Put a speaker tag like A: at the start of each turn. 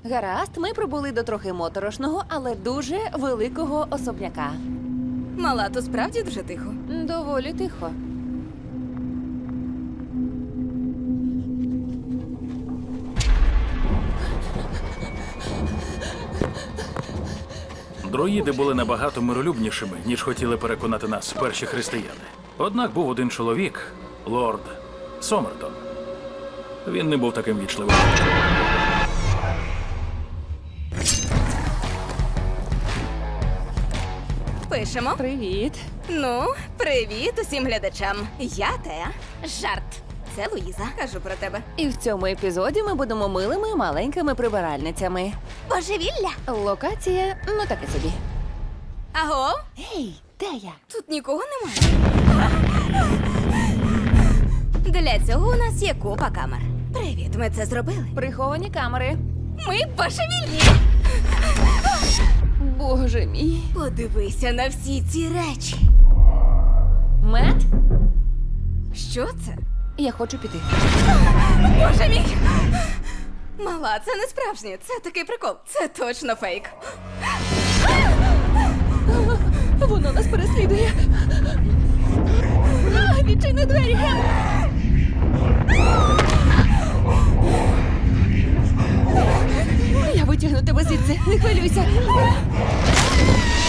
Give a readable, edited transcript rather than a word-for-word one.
A: Гаразд, ми прибули до трохи моторошного, але дуже великого особняка.
B: Мала, то справді дуже тихо.
A: Доволі тихо.
C: Друїди були набагато миролюбнішими, ніж хотіли переконати нас перші християни. Однак був один чоловік, лорд Сомертон. Він не був таким вічливим.
B: Пишемо.
A: Привіт.
B: Ну, привіт усім глядачам. Я Теа. Жарт. Це Луїза. Кажу про тебе.
A: І в цьому епізоді ми будемо милими маленькими прибиральницями.
B: Божевілля.
A: Локація, ну таке собі.
B: Аго?
A: Гей, де я?
B: Тут нікого немає. Для цього у нас є купа камер. Привіт, ми це зробили.
A: Приховані камери.
B: Ми божевільні.
A: Боже мій.
B: Подивися на всі ці речі.
A: Мет,
B: Що це?
A: я хочу піти.
B: Боже мій! Мала, це не справжнє. Це такий прикол. Це точно фейк.
A: Воно нас переслідує. Відчини двері, Ген! Я витягну тебе звідси, не хвилюйся.